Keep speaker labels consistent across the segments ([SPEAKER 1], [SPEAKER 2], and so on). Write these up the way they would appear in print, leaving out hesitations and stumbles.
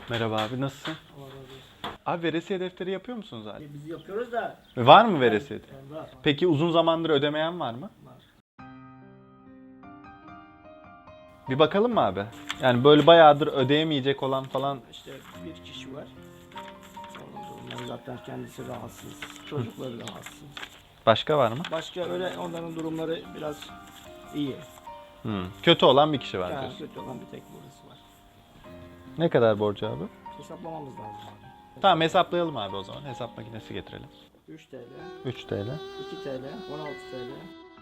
[SPEAKER 1] Merhaba abi, nasılsın?
[SPEAKER 2] Allah razı olsun.
[SPEAKER 1] Abi veresiye defteri yapıyor musunuz abi?
[SPEAKER 2] Biz yapıyoruz da.
[SPEAKER 1] Var mı veresiye?
[SPEAKER 2] Var.
[SPEAKER 1] Peki uzun zamandır ödemeyen var mı?
[SPEAKER 2] Var.
[SPEAKER 1] Bir bakalım mı abi? Yani böyle bayağıdır ödeyemeyecek olan falan.
[SPEAKER 2] İşte bir kişi var. Onlar zaten kendisi rahatsız. Çocukları rahatsız.
[SPEAKER 1] Başka var mı?
[SPEAKER 2] Başka öyle onların durumları biraz iyi.
[SPEAKER 1] Kötü olan bir kişi var
[SPEAKER 2] Yani
[SPEAKER 1] diyorsun.
[SPEAKER 2] kötü olan bir tek burası var.
[SPEAKER 1] Ne kadar borcu abi?
[SPEAKER 2] Hesaplamamız lazım abi.
[SPEAKER 1] Tamam hesaplayalım abi o zaman. Hesap makinesi getirelim.
[SPEAKER 2] 3 TL,
[SPEAKER 1] 3 TL.
[SPEAKER 2] 2 TL, 16 TL.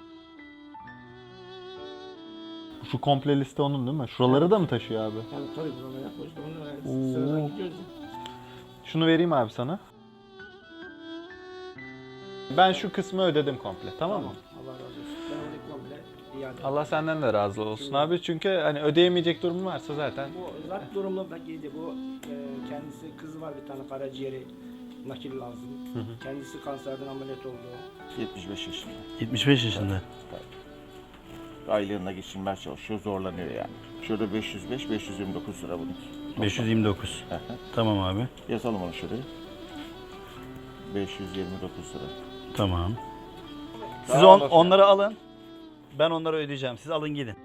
[SPEAKER 1] Şu komple liste onun değil mi? Şuraları da mı taşıyor abi?
[SPEAKER 2] Yani tabii buralara yapıyoruz.
[SPEAKER 1] Oo.
[SPEAKER 2] Onu sıradan gidiyoruz.
[SPEAKER 1] Şunu vereyim abi sana. Ben şu kısmı ödedim komple, tamam mı?
[SPEAKER 2] Allah razı olsun. Ben onu komple iade
[SPEAKER 1] Allah senden de razı olsun abi. Çünkü hani ödeyemeyecek durumu varsa zaten.
[SPEAKER 2] Bu zat durumlu bakiydi. Bu kendisi kızı var bir tane karaciğeri nakil lazım. Kendisi kanserden ameliyat oldu.
[SPEAKER 3] 75 yaşında.
[SPEAKER 4] 75 yaşında.
[SPEAKER 3] Aylığına geçinmeye çalışıyor, zorlanıyor yani. Şurada 505, 529 lira bunun.
[SPEAKER 4] 529. Tamam abi.
[SPEAKER 3] Yazalım onu şuraya. 529 lira.
[SPEAKER 4] Tamam. Siz
[SPEAKER 3] Sağ olasın.
[SPEAKER 4] onları alın. Ben onları ödeyeceğim. Siz alın gidin.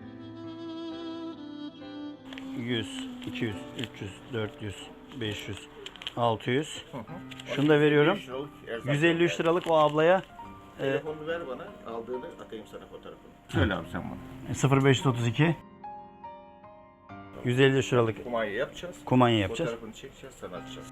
[SPEAKER 4] 100, 200, 300, 400, 500, 600. Şunu da veriyorum.
[SPEAKER 3] 5 liralık erzak
[SPEAKER 4] 153 liralık o ablaya
[SPEAKER 3] Telefonunu ver bana, aldığını atayım sana fotoğrafını. Söyle abi sen bana.
[SPEAKER 4] 0532 153 liralık
[SPEAKER 3] Kumanya yapacağız.
[SPEAKER 4] kumanya yapacağız.
[SPEAKER 3] Fotoğrafını çekeceğiz, sana atacağız.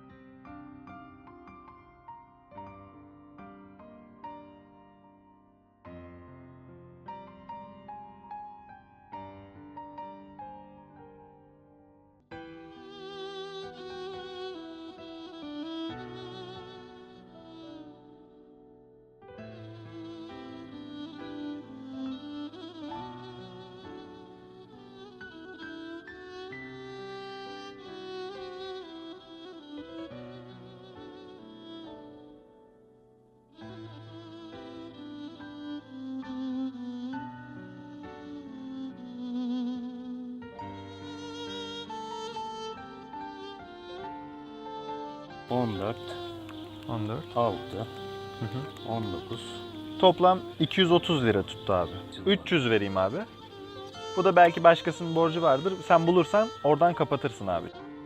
[SPEAKER 4] ...14,
[SPEAKER 1] 14.
[SPEAKER 4] 6, 19.
[SPEAKER 1] Toplam 230 lira tuttu abi. 300 vereyim abi. Bu da belki başkasının borcu vardır. Sen bulursan oradan kapatırsın abi.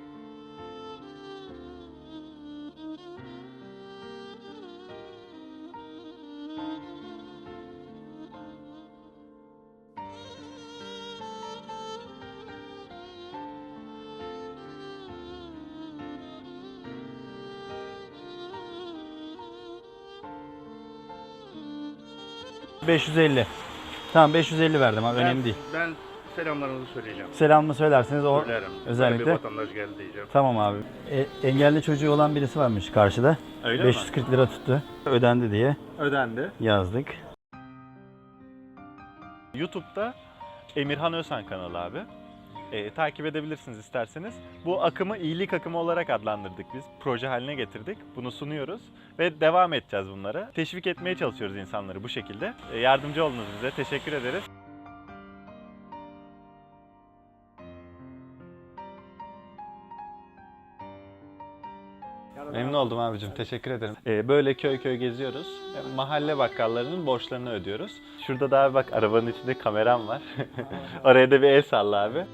[SPEAKER 4] ...550. Tamam 550 verdim abi, önemli değil.
[SPEAKER 5] Ben selamlarınızı söyleyeceğim.
[SPEAKER 4] Selamımı söylerseniz o
[SPEAKER 5] Söylerim.
[SPEAKER 4] özellikle.
[SPEAKER 5] Bir vatandaş geldi diyeceğim.
[SPEAKER 4] Tamam abi. Engelli çocuğu olan birisi varmış karşıda.
[SPEAKER 1] Öyle
[SPEAKER 4] 540 lira tuttu. Ödendi diye
[SPEAKER 1] Ödendi.
[SPEAKER 4] yazdık.
[SPEAKER 1] YouTube'da Emirhan Özhan kanalı abi. Takip edebilirsiniz isterseniz. Bu akımı iyilik akımı olarak adlandırdık biz. Proje haline getirdik. Bunu sunuyoruz ve devam edeceğiz bunlara. Teşvik etmeye çalışıyoruz insanları bu şekilde. Yardımcı oldunuz bize. Teşekkür ederiz. Memnun oldum abicim. Teşekkür ederim. Böyle köy köy geziyoruz. Mahalle bakkallarının borçlarını ödüyoruz. Şurada da abi bak arabanın içinde kameram var. Oraya da bir el salla abi.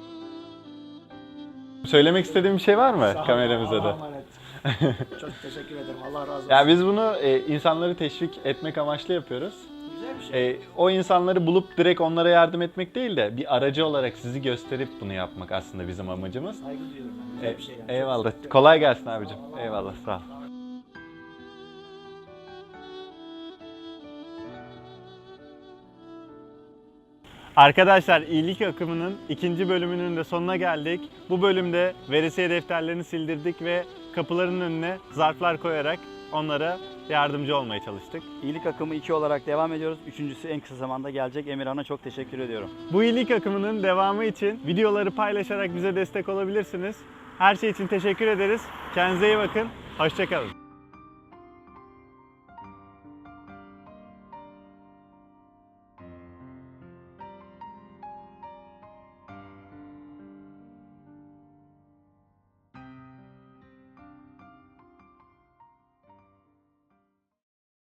[SPEAKER 1] Söylemek istediğim bir şey var mı
[SPEAKER 2] Sağ ol,
[SPEAKER 1] kameramıza
[SPEAKER 2] Allah'a
[SPEAKER 1] da?
[SPEAKER 2] emanet. Çok teşekkür ederim. Allah razı olsun.
[SPEAKER 1] Ya biz bunu insanları teşvik etmek amaçlı yapıyoruz.
[SPEAKER 2] Güzel bir şey.
[SPEAKER 1] O insanları bulup direkt onlara yardım etmek değil de bir aracı olarak sizi gösterip bunu yapmak aslında bizim amacımız.
[SPEAKER 2] Saygı duyuyorum ben. Güzel bir şey yani.
[SPEAKER 1] Eyvallah. Kolay gelsin abicim. Eyvallah. Sağ ol. Arkadaşlar iyilik akımının ikinci bölümünün de sonuna geldik. Bu bölümde veresiye defterlerini sildirdik ve kapıların önüne zarflar koyarak onlara yardımcı olmaya çalıştık.
[SPEAKER 4] İyilik akımı 2 olarak devam ediyoruz. Üçüncüsü en kısa zamanda gelecek. Emirhan'a çok teşekkür ediyorum.
[SPEAKER 1] Bu iyilik akımının devamı için videoları paylaşarak bize destek olabilirsiniz. Her şey için teşekkür ederiz. Kendinize iyi bakın. Hoşça kalın.